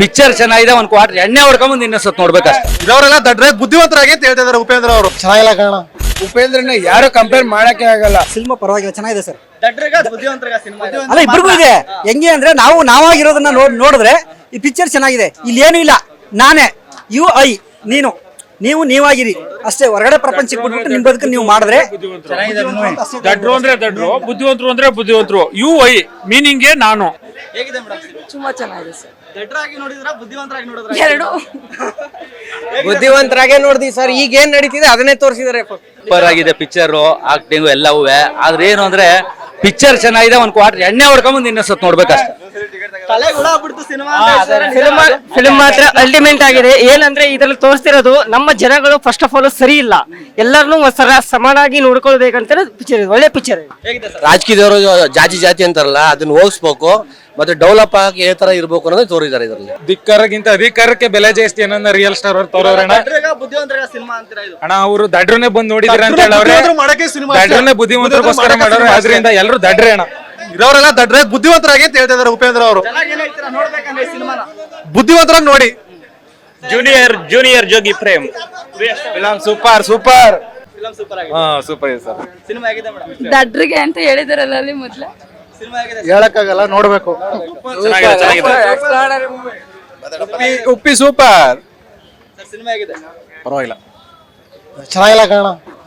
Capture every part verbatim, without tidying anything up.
Picture ಚೆನ್ನಾಗಿದೆ, ಒಂದ್ quarter ಎಣ್ಣೆ ಹೊಡ್ಕೊಂಬಂದು ಇನ್ನೊಂದ್ಸತ್ ನೋಡ್ಬೇಕಷ್ಟೇ. ಇವರೆಲ್ಲ ದಡ್ರೆ ಬುದ್ಧಿವಂತರಾಗಿ ಅಂತ ಹೇಳ್ತಾ ಇದಾರೆ ಉಪೇಂದ್ರ ಅವರು. ಚೆನ್ನಾಗಿಲ್ಲ ಕಾರಣ ಉಪೇಂದ್ರನ ಯಾರು ಕಂಪೇರ್ ಮಾಡಕ್ಕೆ ಆಗಲ್ಲ. ಸಿನಿಮಾ ಪರವಾಗಿಲ್ಲ, ಚೆನ್ನಾಗಿದೆ ಸರ್. ಸಿನಿಮಾ ಅಲ್ಲ ಇಬ್ಬರಿಗೂ ಇದೆ. ಹೆಂಗೆ ಅಂದ್ರೆ ನಾವು ನಾವಾಗಿರೋದನ್ನ ನೋಡ್ ನೋಡಿದ್ರೆ ಈ ಪಿಕ್ಚರ್ ಚೆನ್ನಾಗಿದೆ. ಇಲ್ಲಿ ಏನು ಇಲ್ಲ, ನಾನೇ ಯು ಐ ನೀನು ನೀವು ನೀವಾಗಿರಿ ಅಷ್ಟೇ. ಹೊರಗಡೆ ಪ್ರಪಂಚಕ್ಕೆ ಬಿಟ್ಬಿಟ್ಟು ನಿಮ್ ಬದುಕು ನೀವು ಮಾಡಿದ್ರೆ ದಡ್ರು ಅಂದ್ರೆ ದಡ್ರು, ಬುದ್ಧಿವಂತರು ಅಂದ್ರೆ ಬುದ್ಧಿವಂತರು. ಯು ಐ ಮೀನಿಂಗ್ ನಾನು. ಹೇಗಿದೆ ಮೇಡಮ್? ತುಂಬಾ ಚೆನ್ನಾಗಿದೆ ಸರ್. ದಡ್ರಾಗಿ ನೋಡಿದ್ರ ಬುದ್ಧಿವಂತರಾಗಿ ನೋಡಿದ್ರ? ಎರಡು ಬುದ್ಧಿವಂತರಾಗೆ ನೋಡಿದ್ವಿ ಸರ್. ಈಗ ಏನ್ ನಡೀತಿದೆ ಅದನ್ನೇ ತೋರಿಸಿದಾರೆ. ಸೂಪರ್ ಆಗಿದೆ ಪಿಕ್ಚರ್, ಆಕ್ಟಿಂಗ್ ಎಲ್ಲವೂ. ಆದ್ರೆ ಏನು ಅಂದ್ರೆ ಪಿಕ್ಚರ್ ಚೆನ್ನಾಗಿದೆ, ಒಂದ್ ಕ್ವಾರ್ಟರ್ ಎಣ್ಣೆ ಹೊಡ್ಕೊಂಬಂದು ಇನ್ನೊಂದ್ಸತ್ ನೋಡ್ಬೇಕಷ್ಟೇ. ತಲೆ ಗುಣ ಆಗ್ಬಿಡ್ತು ಸಿನಿಮಾ. ಫಿಲ್ಮ್ ಫಿಲ್ಮ್ ಮಾತ್ರ ಅಲ್ಟಿಮೇಟ್ ಆಗಿದೆ. ಏನಂದ್ರೆ ಇದ್ರಲ್ಲಿ ತೋರಿಸ್ತಿರೋದು ನಮ್ಮ ಜನಗಳು ಫಸ್ಟ್ ಆಫ್ ಆಲ್ ಸರಿ ಇಲ್ಲ, ಎಲ್ಲರನ್ನೂ ಸರ ಸಮಾನಾಗಿ ನೋಡ್ಕೊಳ್ಬೇಕಂತ ಪಿಕ್ಚರ್. ಒಳ್ಳೆ ಪಿಕ್ಚರ್. ರಾಜಕೀಯದವರು ಜಾತಿ ಜಾತಿ ಅಂತಾರಲ್ಲ, ಅದನ್ನ ಹೋಗಿಸ್ಬೇಕು, ಮತ್ತೆ ಡೆವಲಪ್ ಆಗಿ ಯಾವ ತರ ಇರ್ಬೇಕು ಅನ್ನೋದು ತೋರಿದ್ದಾರೆ ಇದರಲ್ಲಿ. ಧಿಕ್ಕರಕ್ಕಿಂತ ಅಧಿಕಾರಕ್ಕೆ ಬೆಲೆ ಜಾಸ್ತಿ ಅನ್ನೋ ರಿಯಲ್ ಸ್ಟಾರ್ ಅವ್ರು ತೋರವ್ರಣ. ಬುದ್ಧಿವಂತರ ಸಿನಿಮಾ ಅಂತೀರಾ ಇದು? ಅಣ್ಣ ಅವರು ದಡ್ರನ್ನೇ ಬಂದು ನೋಡಿದ್ರ ಅಂತ ಹೇಳವ್ರೆ. ದಡ್ರನ್ನೇ ಬುದ್ಧಿವಂತರಿಗೋಸ್ಕರ ಮಾಡೋರು, ಅದರಿಂದ ಎಲ್ಲರೂ ದಡ್ರೆ ಅಣ್ಣ. ಇರೋರೆಲ್ಲ ದಡ್ರೆ ಬುದ್ಧಿವಂತರಾಗಿ ಅಂತ ಹೇಳ್ತಾ ಇದಾರೆ ಉಪೇಂದ್ರ ಅವರು. ಬುದ್ಧಿವಂತರಾಗಿ ನೋಡಿ. Junior junior Jogi Prem film super super film super ಆಗಿದೆ. ಹಾ ಸೂಪರ್ ಇದೆ ಸರ್. ಸಿನಿಮಾ ಹೇಗಿದೆ ಮೇಡಮ್? ದಡ್ರಿಗೆ ಅಂತ ಹೇಳಿದಾರಲ್ಲ ಅಲ್ಲಿ ಮೊದ್ಲ. ಸಿನಿಮಾ ಹೇಗಿದೆ? ಹೇಳಕ್ಕಾಗಲ್ಲ, ನೋಡ್ಬೇಕು. ಚೆನ್ನಾಗಿದೆ ಚೆನ್ನಾಗಿದೆ. ಉಪ್ಪಿ ಉಪ್ಪಿ ಸೂಪರ್. ಸರ್ ಸಿನಿಮಾ ಹೇಗಿದೆ? ಪರವಾಗಿಲ್ಲ. ಚೆನ್ನಾಗಿಲ್ಲ ಕಾರಣ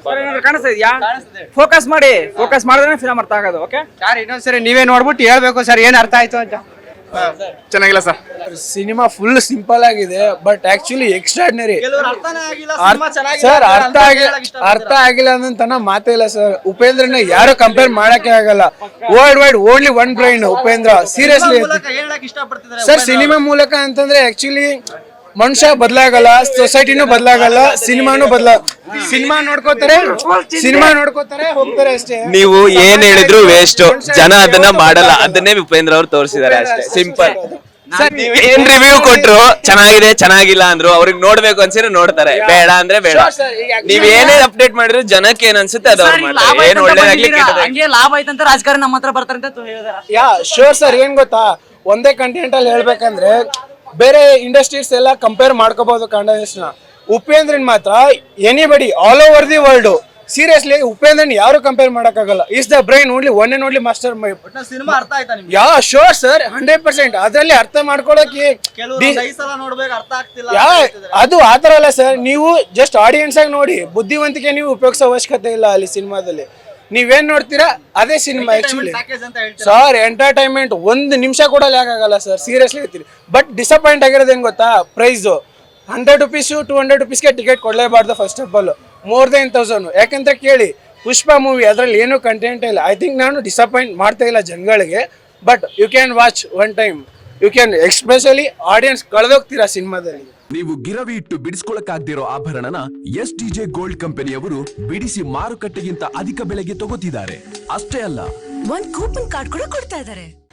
ಫೋಕಸ್ ಮಾಡಿ ಫೋಕಸ್ ಮಾಡಿದ್ರೆ ಫಿಲಮ್ ಅರ್ಥ ಆಗೋದು. ಓಕೆ ಸರ್, ಇನ್ನೊಂದ್ಸರಿ ನೀವೇ ನೋಡ್ಬಿಟ್ಟು ಹೇಳ್ಬೇಕು ಸರ್ ಏನ್ ಅರ್ಥ ಆಯ್ತು ಅಂತ. ಚೆನ್ನಾಗಿಲ್ಲ ಸರ್. ಸಿನಿಮಾ ಫುಲ್ ಸಿಂಪಲ್ ಆಗಿದೆ, ಬಟ್ ಆಕ್ಚುಲಿ ಎಕ್ಸ್ಟ್ರಾರ್ಡಿನರಿ. ಕೆಲವರು ಅರ್ಥನೇ ಆಗಿಲ್ಲ ಸಿನಿಮಾ ಚೆನ್ನಾಗಿದೆ ಸರ್, ಅಂತ ಅರ್ಥ ಆಗಿ ಹೇಳಕ್ ಇಷ್ಟಪಡ್ತಾರೆ. ಅರ್ಥ ಆಗಿಲ್ಲ ಅನ್ನೋ ಮಾತೇ ಇಲ್ಲ ಸರ್. ಉಪೇಂದ್ರನ ಯಾರು ಕಂಪೇರ್ ಮಾಡಕ್ಕೆ ಆಗಲ್ಲ. World wide only one brain Upendra. Seriously ಮೂಲಕ ಹೇಳಕ್ ಇಷ್ಟಪಡ್ತಿದ್ದಾರೆ ಸರ್. ಸಿನಿಮಾ ಮೂಲಕ ಅಂತಂದ್ರೆ ಆಕ್ಚುಲಿ ಮನುಷ್ಯ ಬದಲಾಗಲ್ಲ, ಸೊಸೈಟಿನೂ ಬದಲಾಗಲ್ಲ, ಸಿನಿಮಾನು ಬದಲ ಸಿನಿಮಾ ನೋಡ್ಕೋತಾರೆ ಸಿನಿಮಾ ನೋಡ್ಕೋತಾರೆ ಹೋಗ್ತಾರೆ ಅಷ್ಟೇ. ನೀವು ಏನ್ ಹೇಳಿದ್ರು ವೇಸ್ಟ್, ಜನ ಅದನ್ನ ಮಾಡಲ್ಲ. ಅದನ್ನೇ ಉಪೇಂದ್ರ ಅವ್ರು ತೋರಿಸಿದ್ದಾರೆ ಅಷ್ಟೇ, ಸಿಂಪಲ್. ನೀವ್ ಏನ್ ರಿವ್ಯೂ ಕೊಟ್ರು ಚೆನ್ನಾಗಿದೆ ಚೆನ್ನಾಗಿಲ್ಲ ಅಂದ್ರು, ಅವ್ರಿಗೆ ನೋಡ್ಬೇಕು ಅನ್ಸಿದ್ರೆ ನೋಡ್ತಾರೆ, ಬೇಡ ಅಂದ್ರೆ ಬೇಡ. ನೀವ್ ಏನೇ ಅಪ್ಡೇಟ್ ಮಾಡಿದ್ರು ಜನಕ್ಕೆ ಏನ್ ಅನ್ಸುತ್ತೆ ಅದು ಅವ್ರು ಮಾಡ್ತಾರೆ. ಏನ್ ಒಳ್ಳೇದಾಗ್ಲಿ ಹಂಗೆ ಲಾಭ ಆಯ್ತಂತ ರಾಜಕಾರಣ ನಮ್ಮ ಹತ್ರ ಬರ್ತಾರೆ ಅಂತ ಹೇಳಿದಾರೆ. Yeah sure sir. ಏನ್ ಗೊತ್ತಾ, ಒಂದೇ ಕಂಟೆಂಟ್ ಅಲ್ಲಿ ಹೇಳ್ಬೇಕಂದ್ರೆ ಬೇರೆ ಇಂಡಸ್ಟ್ರೀಸ್ ಎಲ್ಲ ಕಂಪೇರ್ ಮಾಡ್ಕೋಬಹುದು ಕಂಟೆಂಟ್ಸ್ ನ. ಉಪೇಂದ್ರನ್ ಮಾತ್ರ anybody all over the world seriously ಉಪೇಂದ್ರನ್ ಯಾರು ಕಂಪೇರ್ ಮಾಡಕ್ಕಾಗಲ್ಲ. Is the brain only one and only master mind. ಸಿನಿಮಾ ಅರ್ಥ ಆಯ್ತಾ ನಿಮ್ಗೆ? Yeah sure sir, hundred percent. ಅದ್ರಲ್ಲಿ ಅರ್ಥ ಮಾಡ್ಕೊಳಕ್ಕೆ ಕೆಲವರು ಐದು ಸಲ ನೋಡ್ಬೇಕು, ಅರ್ಥ ಆಗ್ತಿಲ್ಲ ಯಾ ಅದು ಆತರ ಅಲ್ಲ ಸರ್. ನೀವು ಜಸ್ಟ್ ಆಡಿಯನ್ಸ್ ಆಗಿ ನೋಡಿ, ಬುದ್ಧಿವಂತಿಕೆ ನೀವು ಉಪಯೋಗಿಸೋ ಅವಶ್ಯಕತೆ ಇಲ್ಲ ಅಲ್ಲಿ ಸಿನಿಮಾದಲ್ಲಿ. ನೀವೇನ್ ನೋಡ್ತೀರಾ ಅದೇ ಸಿನಿಮಾ ಆಕ್ಚುಲಿ ಸರ್. ಎಂಟರ್ಟೈನ್ಮೆಂಟ್ ಒಂದು ನಿಮಿಷ ಕೂಡ ಲ್ಯಾಕ್ ಆಗಲ್ಲ ಸರ್, ಸೀರಿಯಸ್ಲಿ ಹೇಳ್ತೀರಿ. ಬಟ್ ಡಿಸಪಾಯಿಂಟ್ ಆಗಿರೋದು ಹೆಂಗ್ ಗೊತ್ತಾ, price hundred rupees two hundred ರುಪೀಸ್ಗೆ ಟಿಕೆಟ್ ಕೊಡಲೇಬಾರ್ದು first of all, more than thousand. ಯಾಕಂತ ಕೇಳಿ, ಪುಷ್ಪ ಮೂವಿ ಅದ್ರಲ್ಲಿ ಏನೂ ಕಂಟೆಂಟ್ ಇಲ್ಲ. ಐ ಥಿಂಕ್ ನಾನು ಡಿಸಪಾಯಿಂಟ್ ಮಾಡ್ತಾ ಇಲ್ಲ ಜನಗಳಿಗೆ. But you can watch one time, you can especially audience ಕಳೆದೋಗ್ತೀರಾ ಸಿನಿಮಾದಲ್ಲಿ. ನೀವು ಗಿರವಿ ಇಟ್ಟು ಬಿಡಿಸ್ಕೊಳಕ್ಕಾಗ್ದಿರೋ ಆಭರಣನ ಎಸ್ ಟಿ ಜೆ ಗೋಲ್ಡ್ ಕಂಪನಿಯವರು ಬಿಡಿಸಿ ಮಾರುಕಟ್ಟೆಗಿಂತ ಅಧಿಕ ಬೆಲೆಗೆ ತಗೋತಿದ್ದಾರೆ. ಅಷ್ಟೇ ಅಲ್ಲ, ಒಂದ್ ಕೂಪನ್ ಕಾರ್ಡ್ ಕೂಡ ಕೊಡ್ತಾ ಇದಾರೆ.